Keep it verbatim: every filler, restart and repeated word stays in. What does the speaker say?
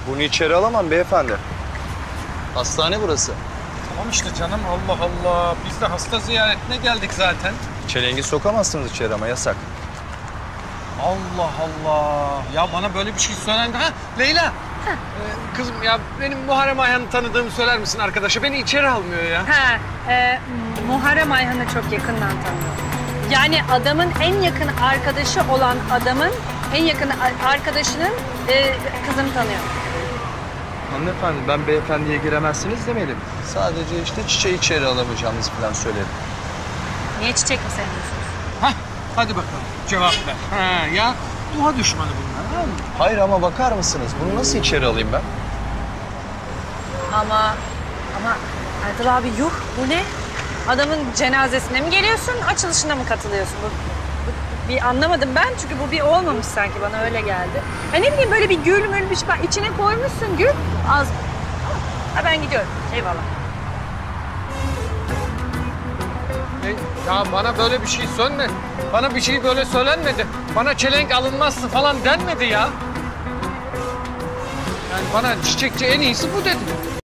Bunu içeri alamam beyefendi. Hastane burası. Tamam işte canım, Allah Allah. Biz de hasta ziyaretine geldik zaten. Çelengi sokamazsınız içeri ama yasak. Allah Allah. Ya bana böyle bir şey söylendi. Ha Leyla. Ee, kızım ya benim Muharrem Ayhan'ı tanıdığımı söyler misin arkadaşa? Beni içeri almıyor ya. Ha, e, Muharrem Ayhan'ı çok yakından tanıyor. Yani adamın en yakın arkadaşı olan adamın en yakın arkadaşının e, kızını tanıyor. Hanımefendi ben beyefendiye giremezsiniz demedim. Sadece işte çiçeği içeri alamayacağımızı falan söyledim. Niye çiçek mi sevmiyorsunuz? Hah, hadi bakalım cevap ver. Ha, ya doğa düşmanı bunlar. Ha? Hayır ama bakar mısınız? Bunu nasıl içeri alayım ben? Ama, ama Erdal abi yuh bu ne? Adamın cenazesine mi geliyorsun, açılışına mı katılıyorsun? Bu, bu- bir anlamadım ben çünkü bu bir olmamış sanki bana öyle geldi. Ha ne bileyim böyle bir gül mül bir şey içine koymuşsun gül az. Ha ben gidiyorum eyvallah. E, ya bana böyle bir şey sönme. Bana bir şey böyle söylenmedi. Bana çelenk alınmazsı falan denmedi ya. Yani bana çiçekçi en iyisi bu dedi.